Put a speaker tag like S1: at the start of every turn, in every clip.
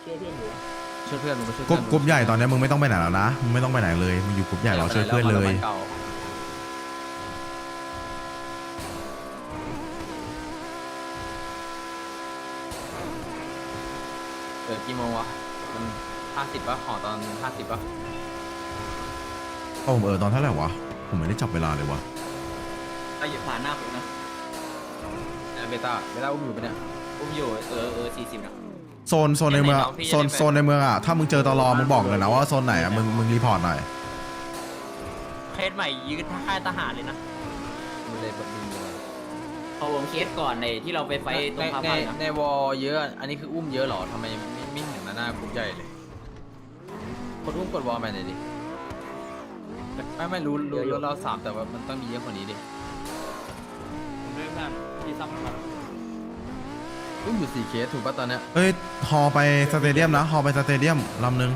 S1: ช่วยเพื่อนมึงไปช่วย
S2: กรุ๊ปใหญ่ตอนนี้มึงไม่ต้องไปไหนแล้วนะมึงไม่ต้องไปไหนเลยมึงอยู่กรุ๊ปใหญ่รอช่วยเพื่อนเลย
S1: กี่โมงวะมัน50ป่ะห่อตอน50ป่ะ
S2: โอ้ตอนเท่าไหร่วะผมไม่ได้จับเวลาเลยวะ
S3: ไปอยู่ผ่านหน้าผมนะ
S1: เบต้าอุ้มอยู่ปะเนี่ย
S3: อุ้มอยู่40นะ
S2: โซนในเมืองโซนในเมืองอ่ะถ้ามึงเจอตลอมึงบอกเลยนะว่าโซนไหนอ่ะมึงรีพอร์ตหน่อย
S3: เคสใหม่ยืดค่ายทหารเลยนะ
S1: มันเลยแบบมี
S3: เอาวงเคสก่อนในที่เราไปไฟตรงพาพันนะ
S1: ในวอลเยอะอันนี้คืออุ้มเยอะหรอทำไมไม่เห็นหน้ากรุ๊ปใหญ่เลยคนอุ้มกดวอลไปหน่อยดิไม่รู้เรา3แต่ว่ามันต้องมีเยอะกว่านี้ดิ
S3: ผมด้วยเพื่อนที่ซ้ำกัน
S1: อุ้มอยู่4 เคสถูกป่ะตอนเนี้ย
S2: เอ้ยฮอไปสเตเดียมนะฮอไปสเตเดียมลำนึง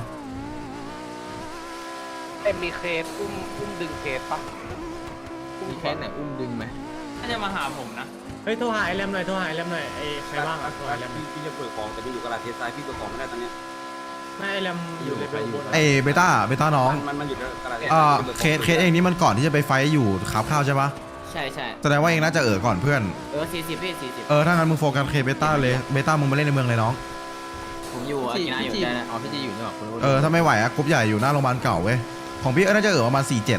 S4: มีเคสอุ้มดึงเคสปะ
S1: มีเคสไหนอุ้มดึงไหม
S3: น่าจะมาหาผมนะ
S5: เฮ้ยโทรหาไอ้แรมหน่อยโทรหาไอ้แรมหน่อยไอ้ใครว่างโทรหาไอ้แรม
S6: พี่จะเปิดของแต่พี่อยู่กระดาษเทสไซด์พี่เปิดของไม่ได้ตอนเนี้ย
S5: ไม่ไอ้แรมอยู่เลเวลบน
S2: เอ้เบต้าน้อง
S6: มันอยู่กระดาษเทส
S2: เคสเองนี่มันก่อนที่จะไปไฟอยู่ขับข้าวใช่ปะ
S3: ใช่
S2: แสดงว่าเองน่าจะก่อนเพื่อน
S3: 40พี่40
S2: ถ้างั้นมึงโฟกัสเคเบต้าเลยเบต้ามึงมาเล่นในเมืองเลยน้อง
S3: ผมอยู่อากินะอยู่ได้นะ
S1: อ๋อพี่จีอยู่นี่หว่าคุณรู้
S2: ถ้าไม่ไหวอะกรุ๊ปใหญ่อยู่หน้าโรงพยาบาลเก่าเว้ยของพี่น่าจะประมาณ47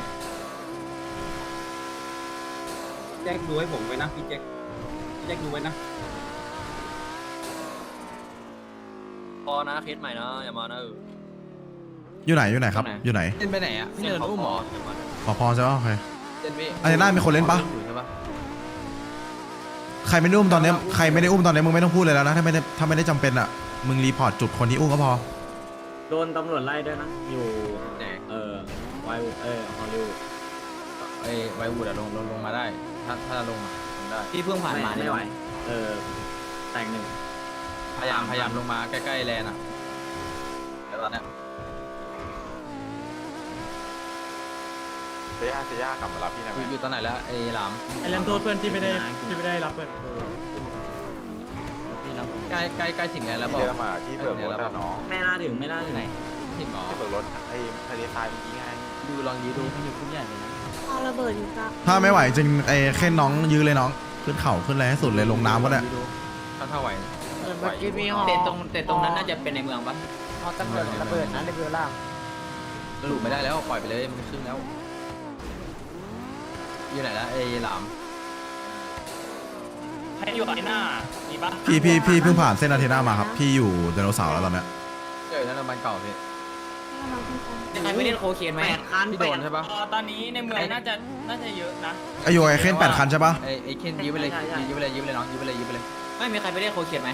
S6: แจ็คดูให้ผมไว้นะพี่แจ็คดูไว้นะ
S3: พอนะเคสใหม่นะอย่ามานะ
S2: อยู่ไหนครับอยู่ไหน
S1: เล่นไปไหนอ่ะพี่เดินอุ้มหมอ
S2: พอใช่ปะโอเค
S1: เล่นพี่
S2: อารีน่ามีคนเล่นปะ
S1: ใช่ปะ
S2: ใครไม่ได้อุ้มตอนนี้ใครไม่ได้อุ้มตอนนี้มึงไม่ต้องพูดเลยแล้วนะถ้าไม่ได้จำเป็นอะมึงรีพอร์ตจุดคนที่อุ้มก็พอ
S5: โดนตำรวจไล่ด้วยนะอยู่
S1: ไหน
S5: ไวฮอลลีวูด
S1: ไววูดอะลงมาได้ถ้าลงได้
S3: พี่เพิ่งผ่านมา
S5: ไม่ไหวแต่งหนึ่ง
S1: พยายามลงมาใกล้ๆแลนอ่ะแต่ตอนเนี้ย
S7: เซียกลับมารับพี่นะ
S1: อยู่ตอนไหนแล้วไอ้หลาม
S5: ไอ้แรมโทษเพื่อนที่ไม่ได้รับเพื่อน
S1: ใกล้ถึงแล้วบอก
S7: เซียมาที่เปิดรถแล้วน้อง
S5: ไม่น่าถึงไหน
S1: ถึงหรอ
S7: ที่เปิดรถไอ้ทะเลทรายเมื่อกี้ไง
S1: ลองดูมันอยู่คุ้มใหญ่เลยนะ
S8: เอาระเบิดอยู่ครับ
S2: ถ้าไม่ไหวจริงแค่น้องยื้อเลยน้องขึ้นเข่าขึ้นอะไรให้สุดเลยลงน้ำก็ได้
S1: ถ้าไหว
S4: เมื่อกี้มีหอ
S3: แต่ตรงนั้นน่าจะเป็นในเมืองปะ
S4: หอตำรวจระเบิดนะเลเวลล่าง
S1: หลุดไม่ได้แล้วปล่อยไปเลยมันขึ้นแล้วอยู่ไหนแล้วไอ้หลาม
S3: ให้อยู่ไอ้หน้ามีปะ
S2: พี่เพิ่งผ่านเส้นอาเทนามาครับพี่อยู่ไดโนเสาร์แล้วตอนเนี้ย
S1: เจอนั่นมันเก่าพี่
S3: ใครไม่เล่นโคเคนไหม
S1: พี่โดนใช่ปะ
S3: ตอนนี้ในเมืองน่าจะเยอะนะ
S2: ไอโยไอเคน8 คันใช่ปะ
S1: ไอ้เคนยื้อไปเลยน้องยื้อไปเลย
S3: ไม่มีใครไปเล่นโคเคนไหม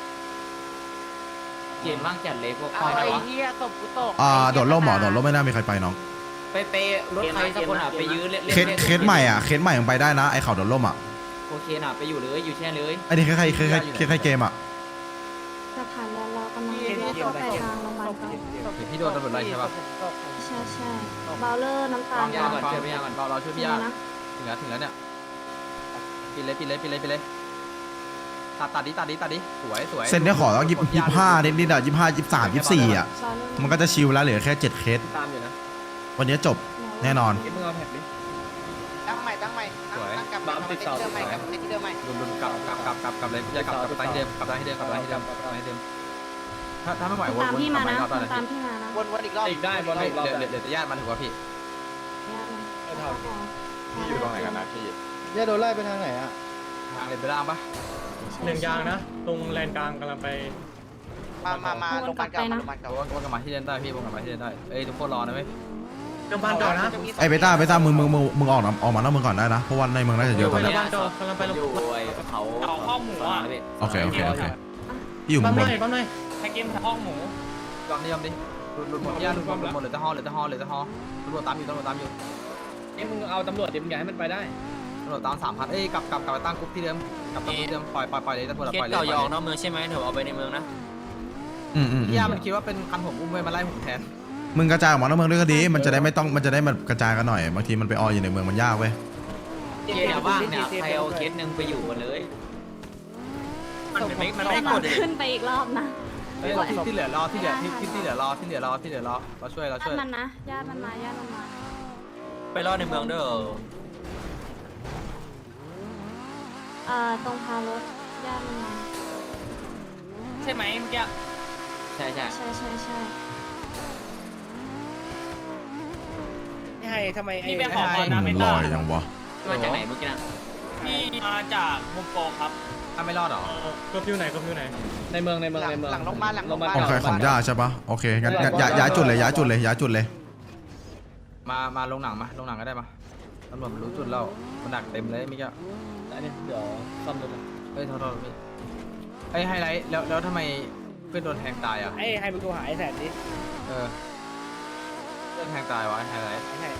S3: เกมว่างจัดเลยพวก
S4: เอาไอ้เหี้ยตบกูตก
S2: โดดร่มโดดร่มไม่น่ามีใครไปน้อง
S3: ไปรถใครสักคนอ่ะไปยื้อเล่น
S2: เคสใหม่ยังไปได้นะไอเข่าโดดร่มอ่ะ
S3: โคเคนอ่ะไปอยู่เลยอยู่แช่เลย
S2: ไอนี่ใครเกมอ่ะ
S8: จะผ่านแล้วเรากำลังเลี้ยวเข้าไปทางโรงพยาบาลเก่า
S1: พี่โดนตำรวจไล่ใช่ปะ
S8: ใช่เบลเลอร์น้ำตาล
S1: ยาก่อนเจอพี่ยาก่อนเราช่วยพี่ยา
S8: นะ
S1: ถึงแล้วเนี่ยปิดเลยตัดดิสวย
S2: เส้นนี้ขอต้อง25นิดอ่ะ25 23 24อ่ะมันก็จะชิลแล้วเหลือแค่7 เคส
S1: ตามอยู่นะ
S2: วันนี้จบแน่นอน
S1: มึงเอาแพ็คดิ
S4: ตั้งใหม่ตั้งกลับมาที่เดิมใหม่กับที่เดิมใหม่
S1: ลุนกลับเลยพี่ยากลับตั้งเดิมถ้าไม่ไหววน
S8: ตามพี่มานะ
S1: ตอนไหน
S8: ตามพี่มานะ
S4: วนอีกรอบ
S1: อีกได้วนอีกรอบเดี๋ยวจะญาติมาถือว่าพี่
S7: พี่อยู่ตรงไหนกันนะพี่
S4: จะโดนไล่ไปทางไหนอ่ะ
S1: ทางเลยไปล่างปะ
S5: หนึ่งยางนะตรงแลนกลางกำลังไป
S4: มาโรงพยาบาลเก่า
S1: วนกลับมาที่เดินได้พี่วนกลับมาที่เดินได้เอ้ยทุกคนรอนะเว้ย
S5: โรงพยาบาลเก่านะ
S2: ไอเบต้ามึงออกมานอกเมืองก่อนได้นะเพราะว่าในเมืองน่าจะเยอะตอน
S5: โร
S2: นี้
S5: งพยาบาลเก่ากำลังไปโรงพ
S3: อย
S5: าบาล
S3: ู่เขาข้อหมูอ่ะ
S2: โอเคพี่อยู่
S5: ปั๊
S2: ข้าม ง
S5: ห
S2: บ
S5: น่
S2: น
S5: อยปั๊มหน่อย
S3: ให้เกมห้องหมู
S1: ยอมดิหลุดหมดพี่ยาหลุดหมดเหลือแต่ฮอตามอยู่
S3: นี่มึงเอาตำรวจดิมึงอย่าให้มันไปได้
S1: ตำรวจตาม3,000เอ้ยกลับไปตั้งกรุ๊ปที่เดิมกลับที่เดิมปล่อยเลยตำรวจ
S3: เคส
S1: ปล่อยเลย
S3: เก่ายองนอกเมืองใช่ไหมเดี๋ยวเอาไปในเมืองนะ
S1: พี่ยามันคิดว่าเป็นคันผมอุ้มไว้มาไล่ผมแทน
S2: มึงกระจายออกมานอกเมืองด้วยก็ดีมันจะได้มันกระจายกันหน่อยบางทีมันไปออยู่ในเมืองมันยากเว้ย
S3: เคสว่างเนี่ยใครเอาเคสหนึ่งไปอยู่กันเลยมันไม่กด
S8: ขึ้นไปอีกรอบนะ
S1: เฮ้ยที่เหลือรอที่เหลือที่เหลือรอที่เหลือรอที่เหลือรอเราช่วย
S8: ญาติมันนะญาติมันมาญาติมันมา
S3: ไปรอดในเมืองเด้อ
S8: ตรงพารถญาติมันมา
S3: ใช่ไหมเมื่อกี้ใช่
S8: ใช่
S5: นี่ให้ทำไมไอ้
S3: พี่ไปขอพรนะ
S2: ลอยยังวะ
S3: มาจากไหนเมื่อกี้นะพี่มาจากโฮมโปรครับ
S1: ถ้าไม่รอดหรอ
S5: ก็ฟิวไหนก็ฟิวไหน
S4: หลังลงมาหลังลงมา
S2: โอเคของย่าใช่ปะโอเคงั้นย้ายจุดเลยย้ายจุดเลย
S1: มาลงหนังก็ได้มาตำรวจมันรู้จุดเรามันดักเต็มเลยมิกอะ
S5: อันนี้เดี๋ยวซ่อมรถ
S1: เฮ้ยโทษพี่ไอ้ไฮไลท์แล้วทำไมเพื่อนโดนแทงตายอ่ะ
S5: ไอ้ให้มึงโทรหาไอ้แสนดิ
S1: เพื่อนแทงตายวะไฮไลท์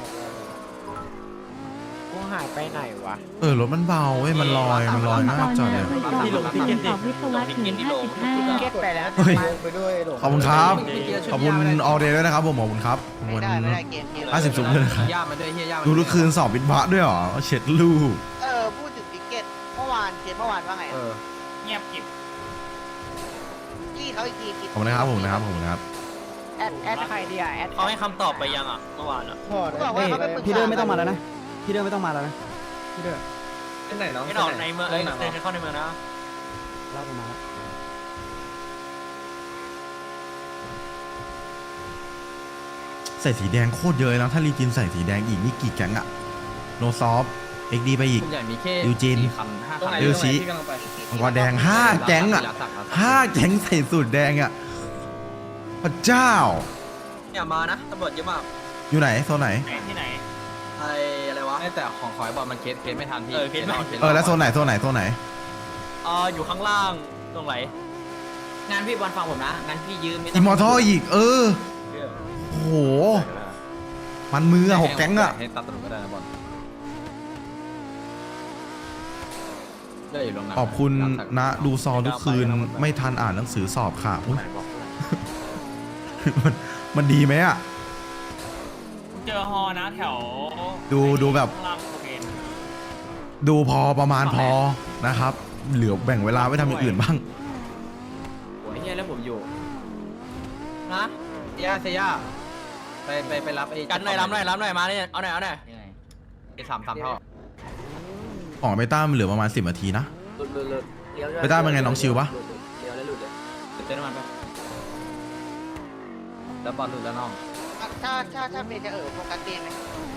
S4: กูหายไปไหนวะ
S2: รถมันเบาเว้ยมันลอยน่าจอดเลย
S5: ที่ลงที่เก็ตดิ
S8: วิศวะถึง55
S4: เก็ตไปแล้ว
S2: เฮ้ย
S4: ไปด้วยหลง
S2: ขอบคุณครับขอบคุณออเดย์ด้วยนะครับผมขอบคุณครับขอบคุณ
S4: ไม่ได้เกม
S2: 50ซุปเลยนะครับ
S1: ย่ามันด้วยเฮียย่ามัน
S2: ดูลูกคืนสอบบิดบะด้วยเหรอเช็ดลูก
S4: พูดถึงติ๊กเก็ตเมื่อวานว่าไง
S3: เงียบกิบ
S4: จี้เขาอีกที
S2: ขอบคุณนะครับผมนะครับ
S4: แอดใครดีแอด
S3: เขาให้คำตอบไปยังอ่ะเมื่อวานอ่ะ
S4: บอกว่าเขาไปปรึกษา
S9: พี่เดินไม่ต้องมาแล้วนะ พี่เดินไม่ต้องมาแล้วนะ พี่เดิน
S6: เป็นไหนน้อง
S3: ไม่ดอกในเมืองเดินเข้าในเมืองนะ
S9: ลากลงมาแล้ว
S2: ใส่สีแดงโคตรเยอะนะถ้ารีจินใส่สีแดงอีกนี่กี่แก๊งอะโนซอฟเอ็กดีไปอีก
S1: คุณใหญ่มีแค่
S2: ยูจิน
S1: 4 คัน 5 คัน
S2: เอลซีมังกรแดง5แก๊งอะ5แก๊งใส่สูตรแดงอะพระเจ้า
S3: อย่ามานะตำรวจเยอะมาก
S2: อยู่ไหนโซนไหน
S3: ที่ไหนไออะไรวะ
S1: แต่ของขอยบอลมันเคสไม่ทันพี่
S3: เคสไม่ทัน
S2: แล้วโซนไหน
S3: อยู่ข้างล่างตรงไหนงานพี่บอลฟังผมนะงานพี่ยืม
S2: อิมมอร์ทัลอีกโอ้โหมันมืออะ6แก๊งอะ
S1: ให้ตัดตำรวจก็ได้นะบอลเลือกอยู่ลงหนัง
S2: ขอบคุณนะดูซอทุกคืนไม่ทันอ่านหนังสือสอบค่ะอุ๊ย มันดีไหมอะ
S3: เจอฮอนะแถว
S2: ดูแบบ
S3: ข้างล่างโอเค
S2: ดูพอประมาณพอนะครับเหลือแบ่งเวลาไว้ทำอย่างอื่นบ้าง
S3: โอ้ยเฮียแล้วผมอยู่นะ
S1: เซียไปรับไอ้
S3: กันหน่อยรับหน่อยมาเนี่ยเอาหน่อย
S1: ไอ้3 เท่า
S2: ของเบต้ามันเหลือประมาณ10 นาทีนะ ไปได้เป็นไงน้องชิวปะ
S3: เลี้ยวแล้วหลุดเลยเติมน้ำมันไป
S1: แล้วบอลหลุดแล้วน้อง
S4: ถ้าเมย์จะโฟกัสเกมไหม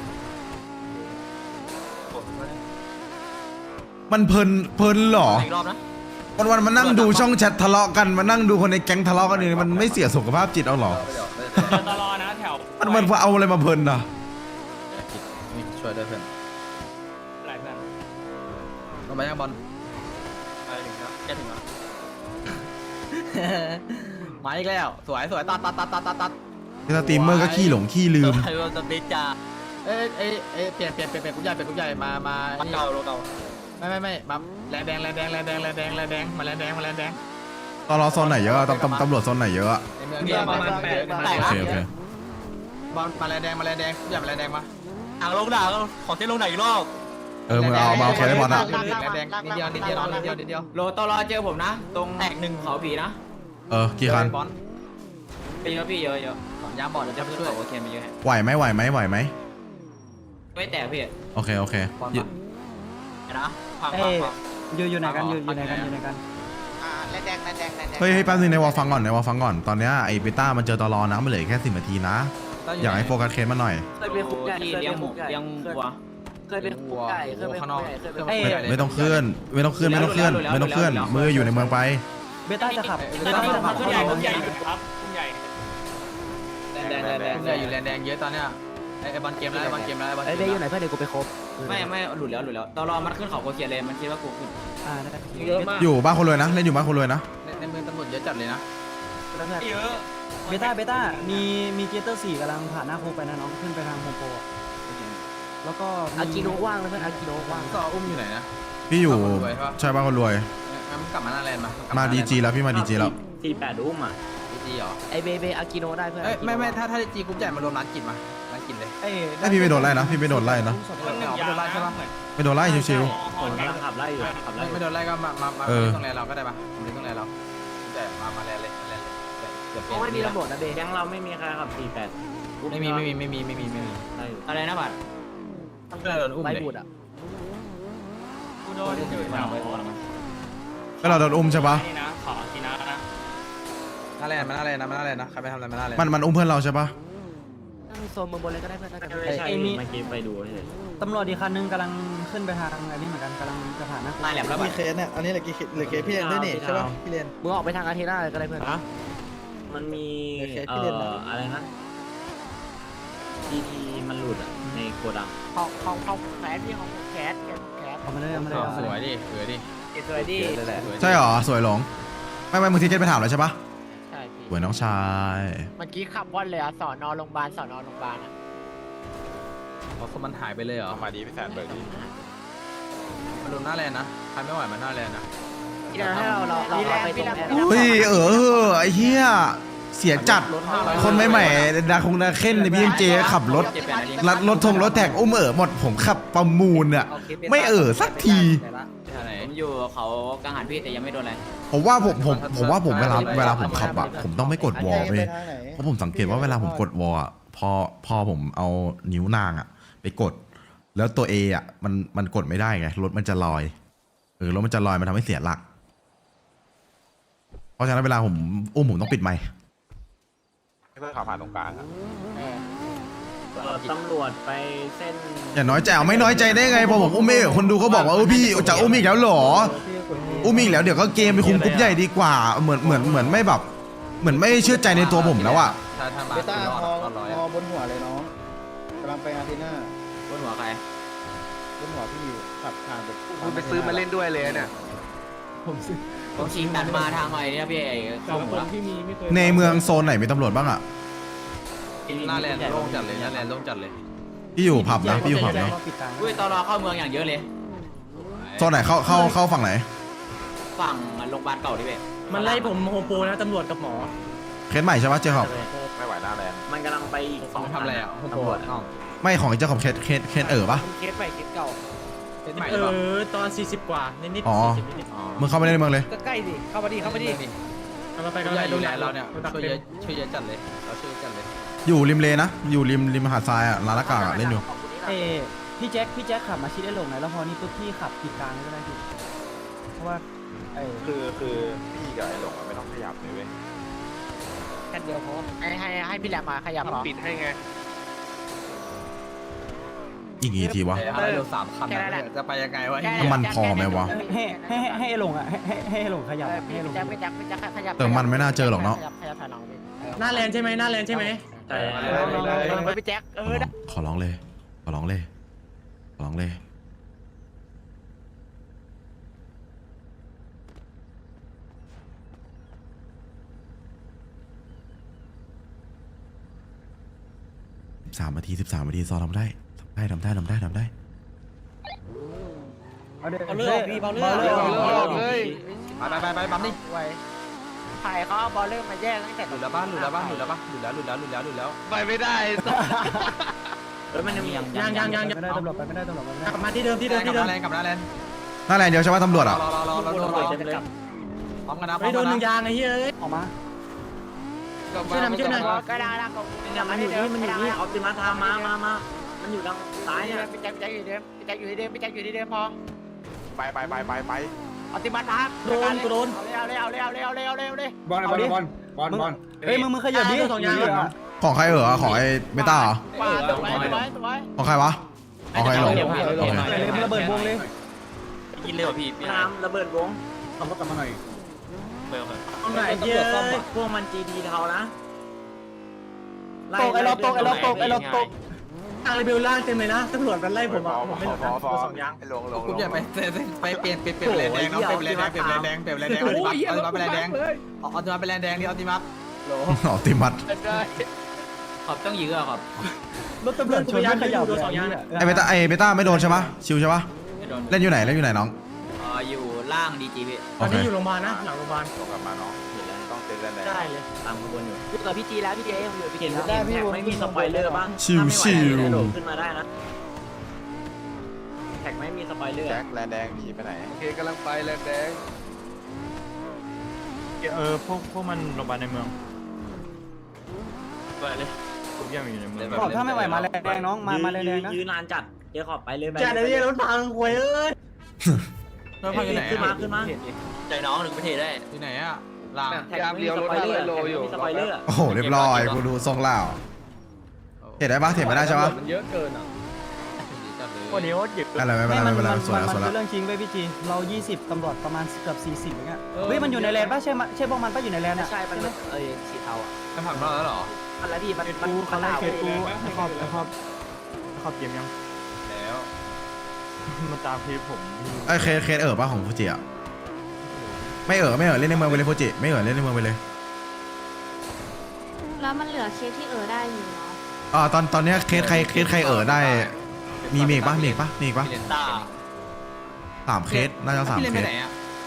S2: มันเพลินเหรอ
S3: อีกรอบนะ
S2: วันมานั่งดูช่องแชททะเลาะกันมานั่งดูคนในแก๊งทะเลาะกันนี่มันไม่เสียสุขภาพจิตเอาเหรอ
S3: เจอตลอดนะแถว
S2: มันเอาอะไรมาเพลินอ่ะ
S1: ช่วยด้วยเพื่อน
S3: หลายเพื่อน
S1: ลงไปยังบอล
S3: ไปถึงแล้วแกถึงแล้ว
S1: มาอีกแล้วสวยตัด
S2: สตรีมเมอร์ก็ขี้หลงขี้ลืม
S3: ใครว่าจะเบจ่า
S1: เปลี่ยนกุญใหญ่มา
S3: เก่าโลเก่า
S1: ไม่มาแลนแดงมาแลนแดง
S2: ตอนรอโซนไหนเยอะตำรวจโซนไหนเยอะอะ
S1: ในเมืองเนี่ยประมาณ8
S2: โอเค
S1: บอลมาแลนแดงกุญใหญ่มาแลนแดงมา
S3: อ่างลงด่าขอเส้นลงด่าอีกรอบ
S2: มึงเอาเคสได้บอลอะ
S1: แลนแดงนิดเดียว
S3: โลตลอเจอผมนะ ตรงแตกหนึ่งเขาผีนะ
S2: กี่คัน
S1: บอล
S3: เยอะพี่เยอะ
S1: ยามบอลจะไปช่วย
S3: โอเคมีเยอะ
S2: ไหวไหม
S3: ไม่แตกพี่
S2: โอเค
S3: นะพัง
S9: อยู่ไหนกันอยู่ไหนกัน
S4: แลนแดง
S2: เฮ้ยแป๊บนึงในวอลฟังก่อนตอนเนี้ยไอ้เบต้ามันเจอตลอนะมันเหลือแค่10 นาทีนะอยากให้โฟกัสเคสมาหน่อย
S9: เคยไปคุกใหญ่
S3: เลี้ยงหมูเลี้ยงวัว
S9: เคยไปคุกใหญ่เคยไป
S1: ข้างนอก
S2: ไม่ต้องเคลื่อนมืออยู่ในเมืองไป
S9: เบต้าจะขับ
S3: ขึ้นใหญ่ครับขึ้นใหญ่
S1: แลนแดงอยู่แลนแดงเยอะตอนเนี้ยไอ้บอลเกมแล้ว
S9: ไอ้เบย์อยู่ไหนเพื่อนเดี๋ยวกูไปครบ
S3: ไม่หลุดแล้วตลอมันขึ้นเขาโคเคียเลยมันคิดว่ากูขึ้น
S9: ได้
S5: เยอะมาก
S2: อยู่บ้านคนรวยนะเล่นอยู่บ้านคนรวยนะ
S1: ในเมืองตำรวจเยอะจัดเลยนะ
S3: เยอะ
S9: เบต้ามีเจเตอร์4กำลังผ่านหน้าโคไปนะน้องขึ้นไปทางโฮมโปรแล้วก็อากิโนว่างเลยเพื่อนอากิโนว่าง
S1: ก็อุ้มอยู่ไหนนะ
S2: พี่อยู่ใช่บ้านคนรวย
S1: งั้นกลับมาหน้าแลนด์มา
S2: ดีจีแล้วพี่มาดีจีแล้ว
S5: 48อุ้มอ่ะ
S1: ดีเหรอ
S9: ไอเบอากิโนได้เพื่อน
S1: ไม่ถ้าจีกรุ๊ปใหญ่มารวมร้านกินมาร้านกินเลย
S2: พี่ไม่โดนไล่นะไม่โดนไล่ชิว
S5: ผมกำลังขับไล่อยู่
S1: ไม่โดนไล่ก็มาตรงแลนด์เราก็ได้ปะมาตรงแลนด์เราแต่มาแลนด์เลยเดี๋ยว
S9: เพ
S1: เปลี่ย
S9: ราะ
S1: น
S9: ไม่มีตำรวจนะเบแก๊งเราไม่มีใครขับ
S1: ไม่มี
S3: อะไรนะบัตร
S1: เพื่อนโดนอุ้ม
S9: ไล่
S1: เลย
S9: บูดอ่ะ
S3: กูโดนอยู่มาไป
S2: ก็เราโดนอุ้มใช่ปะ
S3: นี่นะขอทีนะ
S1: หน้าแลนด์มันหน้าแลนด์นะมันหน้าแลนด์นะใครไปทำอะไรมันหน้าแลนด์
S2: มันอุ้มเพื่อนเราใช่ปะ
S9: นั่งโซนเมืองบนเลยก็ได้เพื่อน
S3: ไม่ใช่
S9: ไอ้มี
S3: เมื่อกี้ไปดูเฉย
S9: ตำรวจอีกคันนึงกำลังขึ้นไปทางอันนี้เหมือนกันกำลังจะผ่านหน้าคุก
S3: ตายแหลมแล้วบัตร
S10: เคสเนี่ย อันนี้เหลือกี่เหลือเคสพี่เรนด้วยนี่ใช่ป่ะพี่เรน
S9: มึงออกไปทางอาเทน่าเลยก็ได้เพื่อน
S3: มันมี
S10: โอเคพี่เล่นนะ
S3: อะไรนะทีมันหลุดอ่ะในโกดัง
S4: ของแขนพี่ของแขน
S9: เอามาเลยเอามาเลยเอา
S1: ส
S9: มา
S1: วย
S9: เลย
S1: ดิสวยดิ
S4: สวยดี
S2: ใช่หรอสวยหลงไม่มึงทิเก็ตไปถามแล้วใช่ปะ
S4: ใช่พี่
S2: สวยน้องชาย
S4: เมื่อกี้ขับว่อนเลยอะสอนอโรงพยาบาลสอนอโรงพยาบาลอะ
S1: เขามันหายไปเลยเหรอ
S7: เอามาดีพี่แซนเบิร์ดดี
S1: มันโดนหน้าแลนด์นะใครไม่ไหวมันหน้าแลนด์นะ
S9: ที่เราให้เราไปตรงแอร์
S2: เฮ้ยไอ้เหี้ยเสียจัดคนใหม่ๆดาคงดาเค้นในพี่เจขับรถรัดรถรถแท็กอุ้มหมดผมขับประมูลอะไม่สักที
S1: ไหน
S3: ผมอยู่เขากังหันพี่แต่ยังไม่โดนอะไร
S2: ผมว่าผมเวลาผมขับอะผมต้องไม่กดวอลเว้ย
S10: ทางไหน
S2: เพราะผมสังเกตว่าเวลาผมกดวอลอะพอผมเอานิ้วนางอะไปกด แล้วตัว A อะมันกดไม่ได้ไงรถมันจะลอยรถมันจะลอยมันทำให้เสียหลัก เพราะฉะนั้นเวลาผมอุ้มผมต้องปิดไมค์
S7: ให้เพื่อนขับผ่านตรงกลางอะ
S3: ตำรวจไปเส้น
S2: อย่าน้อยใจไม่น้อยใจได้ไงพอผมอุ้มไม่คนดูเขาบอกว่าพี่จะอุ้มอีกแล้วเหรออุ้มอีกแล้วเดี๋ยวก็เกมไปคุมกรุ๊ปใหญ่ดีกว่าเหมือนไม่แบบเหมือนไม่เชื่อใจในตัวผมแล้วอะ
S1: ถ้ามา
S10: เบต้า
S1: คือรอด
S10: ฮอ
S1: รอดร้อย
S10: ฮอบนหัวเลยน้องกำลังไปอาร์เทน่า
S3: บนหัวใคร
S10: บนหัวพี่อยู่ขับผ่านไป
S7: คุณไปซื้อมาเล่นด้วยเลยเนี่ย
S3: ผมชิงตัดมาทางใหม่เนี่ยพี่เข้าหัว
S2: ในเมืองโซนไหนมีตำรวจบ้างอะ
S1: หน้าแลนด์โล่งจัดเลยหน้าแลนด์โล่งจัดเลย
S2: พี่อยู่ผับนะพี่อยู่ผับเนาะ
S3: อุ้ยตลอเข้าเมืองอย่างเยอะเลย
S2: โซนไหนเข้าฝั่งไหน
S3: ฝั่งโรงพยาบาลเก่าดิเว้ย
S5: มันไล่ผมโฮมโปรนะตำรวจกับหมอ
S2: เคสใหม่ใช่ปะเจ้าของ
S7: ไม่ไหวหน้าแลนด์
S3: มันกำลังไปอีก
S1: สองทำอะไรอ่ะโฮมโปร
S3: ตำรวจ
S1: อ้าว
S2: ไม่ของเจ้าของเคสปะ
S4: เคสใหม่เคสเก่า
S1: เป็นใหม่หรือเปล่า
S5: ตอน40กว่านิด
S2: อ๋อ
S5: 40นิด
S2: มึงเข้าไปในเมืองเลย
S4: ก็ใกล้ดิเข้ามาดิเข้ามาดิ
S5: ๆเราไปกัน
S1: ให
S5: เล
S1: ญ่
S5: ย
S1: ดู
S5: ดู
S1: แล
S5: แล
S1: เราเนี่ย
S5: ดัก
S1: ช่วย
S5: เป็
S1: เย
S5: น
S1: อะช่วยเยอะจัดเลยเราช่วยเยอะจัดเลย
S2: อยู่ริมเลนะอยู่ริมหาดทรายอะร้านละกากอะเล่นอยู่
S9: พี่แจ็คขับมาชิดได้ลงไหนแล้วพอนี่ปุ๊บพี่ขับผิดกลางก็ได้พี่เพราะว่า
S7: คือพี่กับไอ้หลงอะไม่ต้องขยับเลยเว้ย
S4: กันเดียวพอให้พี่แหลมมาขยับเหรอ
S7: ปิดให้ไง
S2: อีกกี่ทีวะ
S1: อะไรเร็ว3 คันนะจะไปยังไงวะ
S2: น้ำมันพอไหมวะ
S9: ให้ลงอ่ะให้ลงขยับให้ลง
S4: ไม่จักขยับ
S2: เติมมันไม่น่าเจอหรอกเนาะ
S4: ขยับถอยหลังไป
S5: หน้าแลนด์ใช่ไหมหน้าแลนด์ใช่ไหม
S3: ใช่
S4: ไปพี่แจ็คได้
S2: ขอร้องเลยขอร้องเลยขอร้องเลย13 นาทีซอทำได้
S9: เอาเลือกพี่เบาเลือก
S1: ไปบัมดิ
S4: ไว้ถ่ายเขาเอาบอลเริ่มมาแยกตั้งแต่
S1: หลุดแล้วบ้านหลุดแล้ว
S7: ไปไม่ได้
S3: มันยังมี
S5: ยัง
S9: ไม่ได้ตำรวจไปไม่ได้ตำรวจไปไม่ได้
S5: กลับมาที่เดิม
S1: กลับหน้าแลนด์กลับหน้าแลนด์
S2: หน้าแลนด์เดียวใช่ไหมตำรวจอ่ะ
S1: รอโดนพร้อมกันนะพร้
S5: ไม่
S1: อม
S5: โด
S1: กัน น
S5: หนึ่ง
S1: นะ
S5: ยางไอ้เฮ้ย
S9: ออกมา
S5: ช่วยหน่อยช่วยหน่อย
S4: ก็ได้ละ
S3: มันอยู่นี่ออปติมัสทามมามันอยู่ทางซ้ายเนี่ย
S4: พี่แจ็คอยู่ที่เดิมพอ
S7: ไป
S4: ออติมัสครับเอาเลย
S6: บอล
S9: เฮ้ยมึงขยับดิ
S5: สองยาง
S2: ของใครของไอ้เบต้าเหรอ
S4: ว้าวสวย
S2: ของใครวะของใครหลง
S9: มึงระเบิดวงเลย
S3: ยินเร็วพี่น้ำระเบิดวง
S6: ขับรถกลับมาหน่อย
S5: ตรงไหนเยอะ
S3: พวกมัน GT เทานะ
S9: ตกไอ้ล็อกตก
S5: ทางรีวิวล่างเต็มเลยนะตำรวจมันไล่ผมอ่ะผมไม่หลุดนะสองยาง
S7: ไอ้หลง
S1: กรุ๊ปใหญ่ไปเปลี่ยนแลนด์แดงเนาะเปลี่ยนแลนด์แดงเอาติมัสไปแลนด์แดงเอาติมัสไปแลนด์แดงดิเอาติมัส
S2: ออติมัส
S3: ขอบต้องยื้อครับ
S9: รถตำรวจชนไม่ขยับเลย
S2: ไอ้เบต้าไม่โดนใช่ปะชิวใช่ปะ
S3: ไม่โดน
S2: เล่นอยู่ไหนน้อง
S3: อยู่ล่าง DG พี่
S5: ตอนนี้อยู่โรงพยาบาลนะหลังโรงพยาบาล
S7: หลงกลับมาน้องต้องเต้นแลนด์แดง
S5: ได้เลย
S3: ตามขบวนอยู่
S4: อยู่กับพี่จีแล้วพี่เจอยู่พี่เจ
S3: เห็นแท็กไม่มีสปอยเลอร์บ้างขึ้นมาได้นะแท็กไม่มีสปอยเลอร์
S7: แจ็คแลนด์แดงหนีไปไหนโอเคกำลังไปแลนด์แดง
S5: พวกมันโรงพยาบาลในเมือง
S3: ไปเลย
S7: ทุกอย่างอยู่ในมือ
S9: ขอบถ้าไม่ไหวมาแรงแดงน้องมาแรงแดงนะ
S3: ยืนนานจัดเดี๋ยวขอบไปเลย
S5: จัดไอ้เหี้ยรถพังควยเอ้ย
S1: แล้วพังอยู่ไหน
S3: ขึ้นมา
S1: อะ
S3: ขึ้นมาใจน้องหนึ่งประเทศได้
S1: อยู่ไหนอะลาง
S3: แท็กมีสปอยเลอร์มีสปอยเลอร์
S2: โอ้โหเรียบร้อยกูดูทรงแล้วเห็นได้ปะเห็นไม่ได้ใช่ปะ
S6: มันเยอะเกินอ่ะ
S1: จัดเลย
S3: วันนี้ว่าหยิบ
S2: อะไรไม่เป็นไรไม่เป็นไรสวยแล้วสวย
S9: คื
S2: แล้ว
S9: อเรื่องจริงเว้ยพี่จีเรา 20ตำรวจประมาณเกือบ40อย่างเงี้ยเฮ้ยมันอยู่ในแลนด์ป่ะใช่พวกมันป่ะอยู่ในแลนด์อ่ะ
S3: ใช่มันสีเทาอ่ะ
S1: จะผักเราแล้วเหรอ
S3: มันแล้วพี่มัน
S5: เขาไล่เคกูไอ้ครอบเกมยัง
S1: แล้ว
S7: มาตามพีผม
S2: ไอ้เคสป่ะของฟูจิอ่ะไม่เล่นในเมืองไปเลยฟูจิไม่เล่นในเมืองไปเลย
S8: แล้วมันเหลือเคสที่ได้อยู่เนาะ
S2: ตอนเนี้ยเคสใครได้มีอีกปะมีอีกปะ
S1: พี่เลน
S3: ตา
S2: 3 เคสน่าจะ3
S1: พี่เลน
S2: เค
S1: ไป
S2: ส
S1: ไหนอะ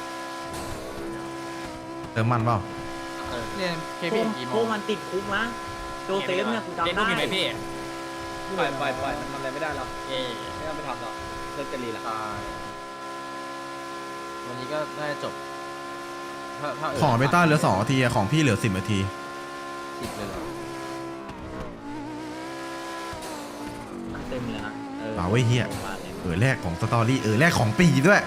S2: เติมมันเปล่า
S1: พี่เลนเค
S3: โค
S1: พี่
S3: ม
S1: กี่โม
S3: โค
S1: ง
S3: มันติดคุกนะโจเซฟเนี่ยกูจำได้เล่นไหมพี่
S6: ปล่อยมันทำอะไรไม่ได้หรอก
S3: เอ๊ะ
S6: ไม่ต้องไปทำหรอกเลิกกันรีละ
S1: ตายวันนี้ก็น่าจะจบถ้า
S2: ของเบต้าเหลือ2 นาทีอะของพี่เหลือ10 นาที
S1: 10เลยเหรอ
S3: เต็มเลยนะ
S2: เอาไว้เฮียแรกของสตอรี่แรกของปีด้วย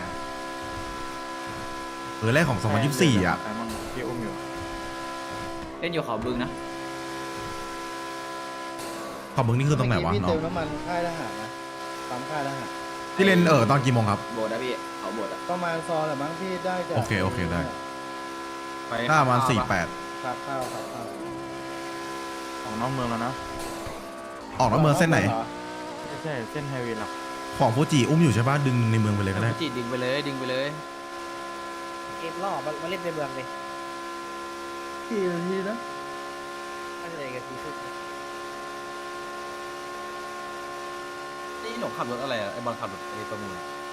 S2: แรกของ2024อ่ะ
S7: ใครมั่งพี่อุ้มอยู่
S3: เล่นอยู่เขาบึงนะ
S2: ขอบมึงนี่คือตรงไหนวะ
S10: พี่
S2: น้อ
S10: เติ
S2: ง
S10: มน้ำมันค่ายทหารนะปั๊มค่ายทหาร
S2: พี่เล่นตอนกี่โมงครับ
S3: โบดนะพี่เขาโบดอ่ะ
S10: ประมาณซอนแหละมั้งพี่ได้จาก
S2: โอเคได้
S1: ไป
S2: หน้าประมาณ
S1: ข้วปะ
S10: ขาข้าว
S7: ของนอกเมืองแล้วนะ
S2: 48ออกนอกเมืองเส้นไหน
S7: ไม่ใช่เส้นไฮเวย์หลัก
S2: ของฟูจิอุ้มอยู่ใช่ปะดึงในเมืองไปเลยก็ได้
S1: จิดึงไปเลยดึงไปเลย
S4: เกมล่อมาเล่นในเมืองเลย
S10: กี่นาทีนะ
S4: ไม่ใช่กันทีสุด
S1: นี่หลงขับรถอะไรอะไอบอลขับรถไอประมูล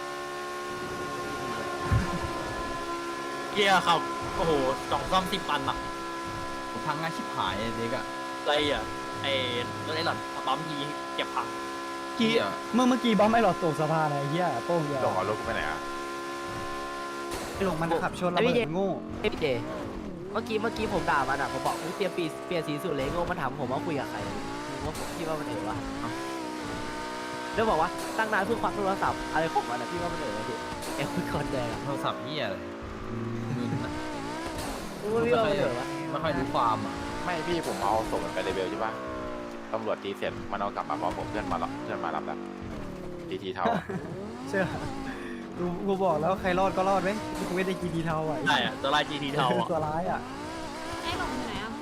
S3: เกียร์ครับโอ้โห2 ซ่อม 10 ปันอ่ะ
S1: ผมพังงานชิบหายไอ้เด็กอะ
S3: อะไรอ่ะไอ้รถไอ้หลอดปั๊มยีเก็บพัง
S1: กี้อะ
S9: เมื่อกี้บอมไอ้หลอดตกสะพานไอ้เหี้ยโป้งเดียว
S7: หลงเอารถกูไปไหนอ่ะ
S9: ไอ้หลงมันขับชนระเบิดโง่
S4: พี่เจเมื่อกี้ผมด่ามันอ่ะผมบอกเปลี่ยนสีสุดเลยโง่มันถามผมว่าคุยกับใครว่าผมคิดว่ามันวะแล้วบอกว่าตั้งนานเพิ่งควักโทรศัพท์อะไรของมันอ่ะพี่ว่ามันพี่แอบคุยคนแดงอ่ะ
S1: โทรศัพท์เหี้ยอะไรมึนอะ
S4: พี่ว่ามันวะ
S1: ไม่ค่อยรู้ความอะ
S7: ไม่พี่ผมเอาส่งมันไปเลเวลใช่ปะตำรวจตีเสร็จมันเอากลับมาพร้อมผมเพื่อนมารับแล้วทีเท่า
S9: เชื่อกูบอกแล้วใครรอดก็รอดไหมกูไม่ได้กีดีเทาอ่ะ
S3: ใช่อ่ะตัวลาย GT เทาอ่ะ
S9: ตัวร้ายอ่ะ
S8: ไอ้หลงอยู่ไหนอ่ะ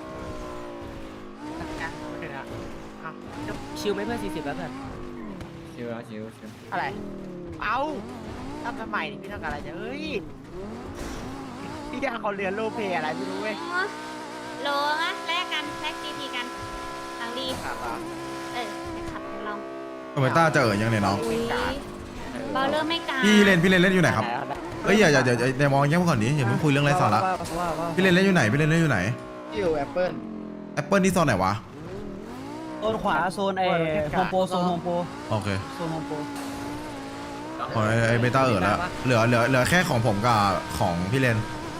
S4: ชิวไหมเพื่อน40แล้วเพื่อน
S3: ชิวชิว
S4: อะไรเอาทำไมนี่พี่ต้องการอะไรเนี่ยเฮ้ยพี่แกเขาเรียนโลเพอะไรไม่รู้เว้ย
S8: โลนะแลกกันแลก GP กันทางดี
S4: ครับอ่ะ
S8: ไปขับของเรา
S2: เบต้าจะยังเนี่ยน้อง
S8: อุ้ยเบาเริ่มไม่กลาง
S2: พี่เล่นอยู่ไหนครับเอ้ยอย่ามองแย่ก่อนดิอย่าเพิ่งคุยเรื่องไร้สาระพี่เล่นอยู่ไหนอยู่ไหน
S10: อยู่แอปเปิ้ล
S2: แอปเปิลนี่โซนไหนวะ
S9: โซนขวาโซนโฮมโปรโซนโฮมโปร
S2: โอเค
S9: โซนโฮมโปร
S2: ของไอ้เบต้าแล้วเหลือแค่ของผมกับของพี่เลน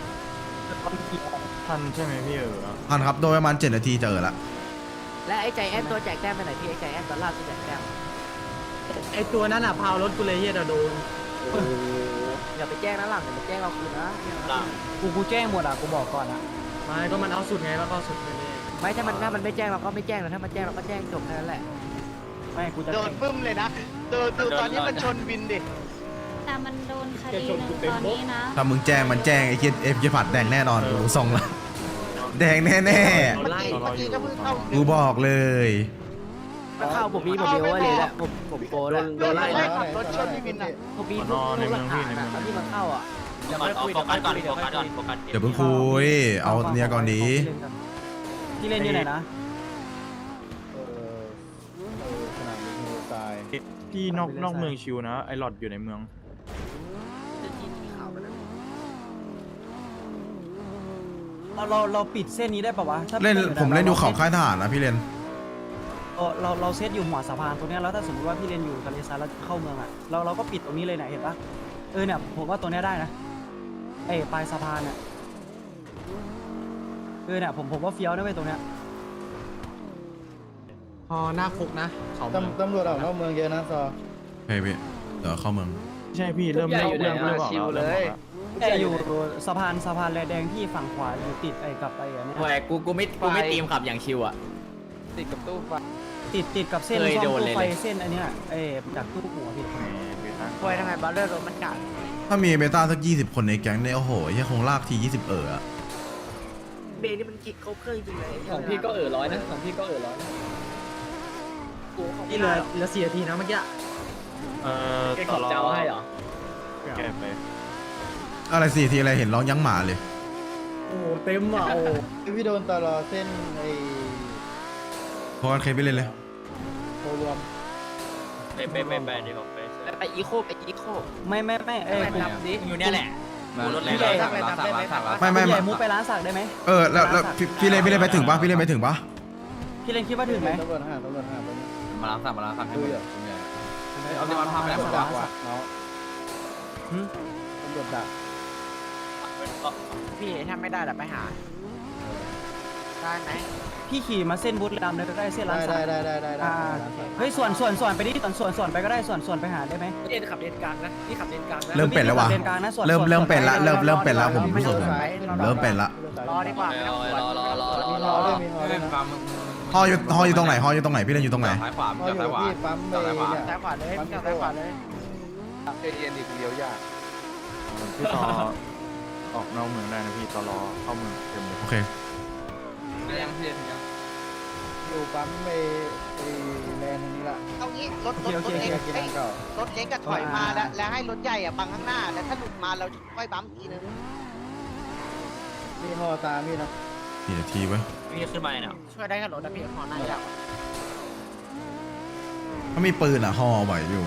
S7: ทันใช่ไหมพี่
S2: ทันครับโดยประมาณ7 นาทีจะละ
S4: และไอ้ใจแอนตัวแจกแต้มไปไหนพี่ไอ้ใจแอนตัวล่าตัวแจกแต้ม
S5: ไอ้ตัวนั้นอ่ะพาวรถกูเลยเฮียโดน
S4: อย่าไปแจ้งนะหลังอย่าไปแจ้งเราคืนนะ
S9: กูแจ้งหมดอ่ะกูบอกก่อนอ่ะ
S5: ไม่ก็มันเอาสุดไงแล้วก็สุดไปเลย
S4: ไม่ถ้ามันไม่แจ้งเราก็ไม่แจ้งนะถ้ามันแจ้งเราก็แจ้งจบแค่นั้นแหละ
S9: ไม่กูจะ
S4: โดนปึ้มเลยนะดูตอนนี้มันชนวินดิ
S8: แต่มันโดนคดีหนึ่งตอนนี้นะ
S2: ถ้ามึงแจ้งมันแจ้งไอ้เคียเอฟจะผัดแดงแน่นอนกูส่งละแดงแน่
S4: เมื่อกี้ก็เพิ่งเข้า
S2: ๆกูบอกเลย
S4: เข้าผมมีโอเวอร์เลยแหละผมโกแล้วโดนไล่ขับรถชนพี่วินอ่ะผมมีรูปหลักฐานนะที่มันเข้าอ่ะ
S3: เดี๋ยวโฟกัสก่อนโฟกัสก่อนโฟกัส
S2: เดี๋ยวเพิ่งคุยเอาเนี่ยก่อนดี
S9: ที่เล่นอยู่ไหนนะ
S10: สนามบินฮูซาย
S7: พี่นอกเมืองชิวนะไอหลอดอยู่ในเมือง
S9: เราปิดเส้นนี้ได้ปะวะ
S2: ผมเล่นอยู่เขาค่ายทหารนะพี่เลน
S9: เราเซตอยู่หัวสะพานตรงนี้แล้วถ้าสมมติว่าพี่เล่นอยู่ทะเลทรายแล้วเข้าเมืองอ่ะเราก็ปิดตรงนี้เลยเนี่ยเห็นปะเนี่ยผมว่าตรงนี้ได้นะปลายสะพานเนี่ยเนี่ยผมว่าเฟี้ยวนะเว้ยตรงเนี้ย
S5: พอหน้าคุกนะเขา
S10: ตำรวจออกนอกเมืองเยอะนะซอ
S2: โอเคพี่เดี๋ยวเข้าเมือง
S5: ใช่พี่เริ่มชิวเลย
S9: แต่อยู่สะพานแรแดงที่ฝั่งขวาอยู่ติดไอ้กับไอ้อันเนี้ย
S3: โอ้ยกูไม่ตีมขับอย่างชิวอ่ะ
S4: ติดกับตู้ไฟ
S9: ติดกับเส้น
S3: เคย
S9: ซ่อม
S3: โดน
S9: ตู้
S3: เลย
S9: ไฟเส้นอันเนี้ยจากตู้หัวพี่
S4: ไฟทำไมบัลเลอร์รถมันกัด
S2: ถ้ามีเบต้าสัก20 คนในแก๊งเนี่ยโอ้โหเฮียคงลากที20อะ
S4: เบรนี่มันกิดครบเครื่องจริงเลย
S3: ของพี่ก็ร้อยนะของพี่ก็ร้อย
S5: นี่เหลือ4 นาทีนะเมื่อกี้
S3: แกขอบเจ้าให้เหรอ
S7: แก้ไป
S2: อะไร4 ทีอะไรเห็นร้องยั้งหมาเลย
S5: โอ้เต็มอ่ะโอ้
S10: พี่โดนตลอเส้นไอ้
S2: พอกันเคยไปเล่นเลย
S10: โครวม
S3: ไปดีกว่าไป
S4: แล้วไปอีโค
S9: ไม่เอ้ย
S4: ไปรับดิ
S3: อยู่เนี่ยแหละ
S1: รถแรงสั่งร้านสั่งร้านสั่งร้าน
S2: ไม่
S9: ใหญ่มุกไปร้านสักได้ไหม
S2: แล้วพี่เล่นไปถึงปะพี่เล่นไปถึงปะ
S9: พี่เล่นคิดว่าถึงไหม
S10: ตำรวจห่างไป
S1: มาร้านสั่งให้หมดเอาที่มันพาไปแล้วผม
S10: ดั
S1: ว่าก
S10: ว่ะเนาะตำรวจดัก
S4: พี่ทำไม่ได้หรอไปหาได้ไหม
S9: พี่ขี่มาเส้นบูธดำเลยก็ได้เส้นร้านสัก
S10: ได้
S9: เฮ้ยส่วนไปดิส่วนไปก็ได้ส่วนไปหาได้ไหม
S4: พี่เล่นขับเลนกลางนะพี่ขับเลนกลางนะ
S2: เริ่มเป็นแล้ววะ
S9: เลนกลางนะส่วน
S2: เริ่มเป็นละเริ่มเป็นละผมรู้สึกเริ่มเป็นละ
S4: รอดีกว่าไม่ต้องสวน
S10: มีฮอด้วยมีฮอด้วยนะ
S2: ฮออยู่ตรงไหนพี่เล่นอยู่ตรงไหน
S1: ซ้ายขวา
S10: ฮออยู่
S1: ซ้ายขวา
S10: ที่ปั๊มไป
S1: ซ้ายขวา
S10: เนี่ย
S4: ซ้ายขวาเลยพี่ซ้ายขวาเลย
S7: เย็นๆดิกูเลี้ยวยาก
S6: พี่ต่อออกนอกเมืองได้นะพี่ตอรอเข้าเมืองเต็มเลย
S2: โอเค
S1: ยังพี่ยัง
S10: อยู่ปั๊มไปแลนด์ตรงนี้ละ
S8: เอางี้รถ
S10: เกี่ยวกินทางเก่าร
S8: ถเล็กก็ถอยมาแล้วให้รถใหญ่บังข้างหน้าแล้วถ้าหลุดมาเราค่อยบัมทีนึง
S10: มีฮอตามพี่นะ
S2: 4 นาทีเว้ย
S3: พี่ขึ้นมาเนี่ย
S8: ช่วยได้กับรถนะพี่ขอหน้าอยาก
S2: ถ้ามีปืนฮอไหวอยู่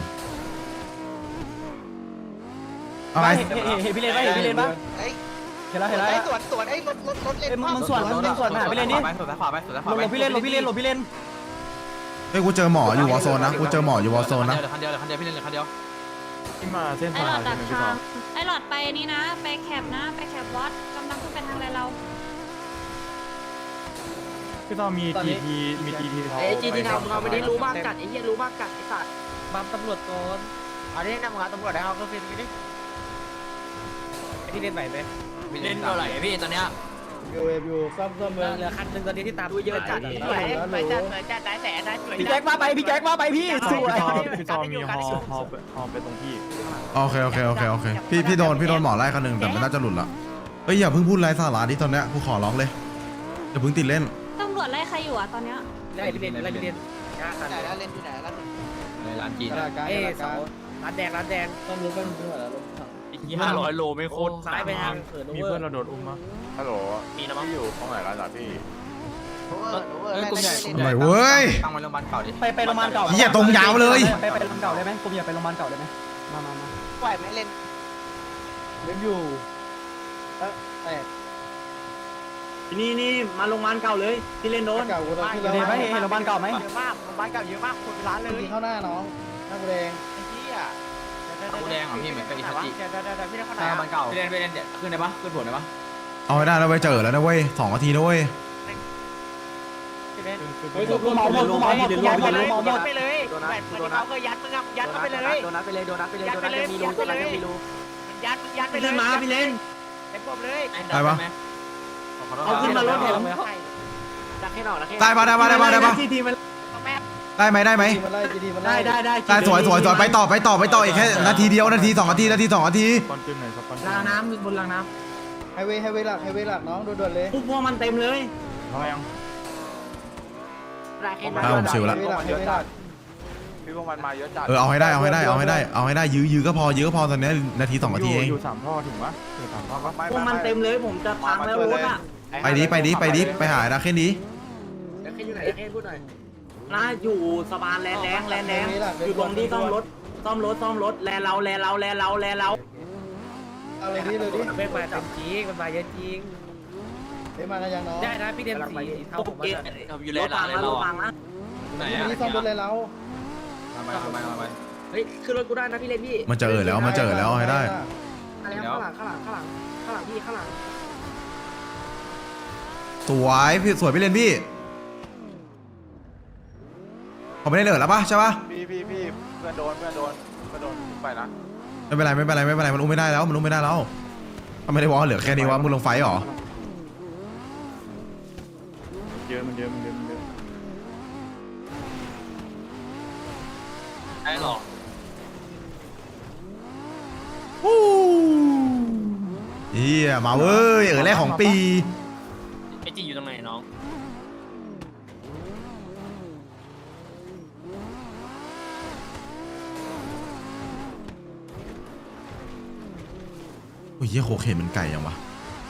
S2: อะไร
S9: เห็นพี่เล่นปะเห็นพี่เล่นปะ
S8: เฮ้ย
S9: เห็นแล้ว
S8: ไอ้ตรวจไอ้รถเล่น
S9: มึงส่วนหาพี่เล่นนี่
S1: ไปซ้ายขวาไปซ้ายขวา
S9: หลบพี่เล่น
S2: เฮ้ยกูเจอหมออยู่วอลโซนนะกูเจอหมออยู่วอลโซนนะ
S1: คันเดียวพี่เล่นคันเดียว
S6: ที่มาเส้น
S8: ไอ้
S6: ทา
S8: หล
S6: ง
S8: อด
S6: ใช่
S8: ดัก
S6: ไหมพี่ต่อ
S8: ทางไอ้หลอดไปนี่นะ ไปแคปนะไปแคปวัดกำลังขึ้นไปทางอะไรเรา
S6: พี่ต่อมีทีเขา
S4: เอ้จีทีทำเราไม่ได้รู้บ้างกัดไอ้เหี้ยรู้บ้างกัดไอ้สัตว์บัมตำรวจก่อนเอาดินำงานตำรวจได้เอาก็ฟินไปดิพี่เล่นไหวไหม
S3: เล่นเท่าไหร่พี่ตอนเนี้ย
S10: อยู่ซ่อมเมือง
S4: เหลือคันนึงตอนนี้ที่ตามดูเยอะจัด
S8: สวยสวยจัดสวยจัดได้แสนได้สวย
S9: พี่แจ็คมาไปพี่สวย
S6: พี่ต่อมีฮอไปตรงพี่
S2: โอเคพี่โดนหมอไล่คนหนึ่งแต่ไม่น่าจะหลุดละเอ้ยอย่าเพิ่งพูดไรสาระดิตอนเนี้ยกูขอร้องเลยอย่าเพิ่งติดเล่น
S8: ตำรวจไล่ใครอยู่อ่ะตอนเนี้ย
S4: ไล่พี่เล่น
S8: ไหนแล้วเล่นอยู่ไหนแล้ว
S1: ในร้านจีน
S4: เอ้เสาร้านแดง
S5: ต้องรู้กันด้วยแล้ว
S3: อีก500 โลไม่โคตร
S4: ซ้ายไปทางเขิน
S6: มี
S4: เวอ
S6: เพื่อน
S4: ร์
S6: เราโดนอุ้มมั้ย
S7: ฮัลโหล
S3: มีนะมั้ง
S7: พี่อยู่ตรงไหนร้านพี่
S1: กลุ่มใหญ่
S2: หน่อยเว้ย
S1: ตั้งไว้โรงพยาบาลเก่าดิ
S9: ไปโรงพยาบาลเก่า
S2: เหี้ยตรงยาวเลย
S9: ไปโรงพยาบาลเก่าได้ไหมผมอยากไปโรงพยาบาลเก่าได้ไหมมา
S8: ปล่อยไม่เล่น
S10: เล่นอยู่แตก
S5: นี่มาโรงพยาบาลเก่าเลยที่เล่นโดน
S10: เก่ากูตอนที่
S9: เห็นไหมเห็นโรงพยาบาลเก่าไหม
S8: เยอะมากบ้านเก่าเยอะมากคนร้านเลย
S10: ยิงเข้าหน้าน้องหน้าแดง
S8: ไอ้เหี้ย
S1: กูแดงของพี่เหมือนกับอิตาลี
S8: เดี๋ยวพี่ได้เข้าไหน
S1: ถ้ามันเก่า
S3: ไปเล่นเดี๋ยวขึ้นได้ปะขึ้นผลได้ปะ
S2: เอาให้ได้แล้วเว้ยเจอแล้วนะเว้ย2 นาทีนะเว้ย
S9: กูเมาหมดยัดไปเลย
S8: ไปเลยแบบคนที่เขาเคยยัดมึงอ่ะยัดเข้าไปเลย
S4: โดนัทไปเลยมีรู
S8: ยัดไปเลย
S5: ขึ้นมาพี่เล่น
S8: เต็มผมเลย
S2: ได้ปะ
S5: เอาขึ้นมารถผม
S4: ดักให้หน่อยดักให้
S2: ได้ปะ
S5: ที่ทีมัน
S8: แม่
S2: ได้ไหม
S10: จีมันไล่จีมันไล่
S5: ได้
S2: ได้สวยไปต่ออีกแค่นาทีเดียวนาที2 นาที2 นาที
S6: คอนจุนไหนสปอน
S5: ล้างน้ำบนล้างน้
S10: ไฮเวย์หลักน้องด่วนๆเลย
S5: ำพวกมันเต็มเลย
S6: เขายัง
S4: ดักให้
S2: ผมชิวละ
S10: ไฮเวย์หลัก
S7: พี่พวกมันมาเยอะจัด
S2: เอาให้ได้ยื้อก็พอตอนนี้นาที2 นาทีเอง
S6: อยู่3ท่อถึงปะถึง3ท่อปะ
S5: พวกมันเต็มเลยผมจะพังแล้วรถอ่ะ
S2: ไปดิไปหาดาเคนดี
S4: ดักให้อยู่ไหนดักให้พูดหน่อย
S5: น่าอยู่สะพานแลนแดงอยู่ตรงที่ซ่อมรถแลเรา
S10: เอาเลยดิ
S4: เป็นมาเต็มจริงมันมาเยอะจริง
S10: เฮ้ยมากันยังน้อง
S4: ได้นะพี่เดมสีเท่าผม
S3: เกมอยู่เลยร้านเลยเรา
S1: ไหน
S10: นี่ซ่อมรถเลยเรา
S1: ทำไม
S4: เฮ้ยขึ้นรถกูได้นะพี่เลนพี่
S2: มันเจอแล้วเอาให้ได้
S4: ข้างหลังพี่ข้างหลัง
S2: สวยพี่เล่นพี่เขาไม่ได้เหลือแล้วปะใช่ปะ
S7: พี่เพื่อนโดนไปนะ
S2: ไม่เป็นไรมันอุ้มไม่ได้แล้วมันอุ้มไม่ได้แล้วทำไมได้วอลเหลือแค่นี้วะมึงลงไฟหรอ
S6: เยอะมันเยอะ
S3: ได้หรอ
S2: เฮียมาเว้ยแรกของปี
S3: ไอจีอยู่ตรงไหนน้อง
S2: โอ้ยเฮียโคเคนมันไก่ยังวะ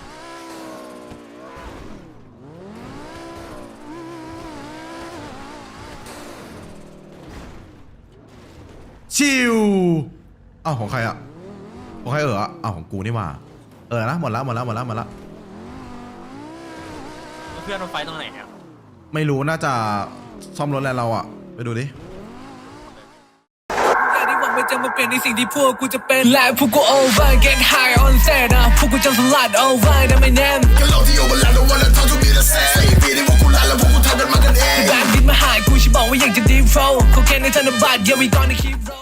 S2: ชิวอ้าวของใครอ่ะของใครอ้าวของกูนี่มานะหมดแล้ว
S3: เพื่อนมันไฟตรงไหนอ่ะ
S2: ไม่รู้น่าจะซ่อมรถแล้วเราอ่ะไปดูดิ
S11: ที่หวังมันจะมาเป็นในสิ่งที่พวกกูจะเป็นและพวกกู over get high on set นะพวกกูจะสลัด over นะไม่แน่แบงค์ดินมาหายกูฉันบอกว่าอยากจะ deep flow เขาแค่ในธนบัตร yeah we gonna keep roll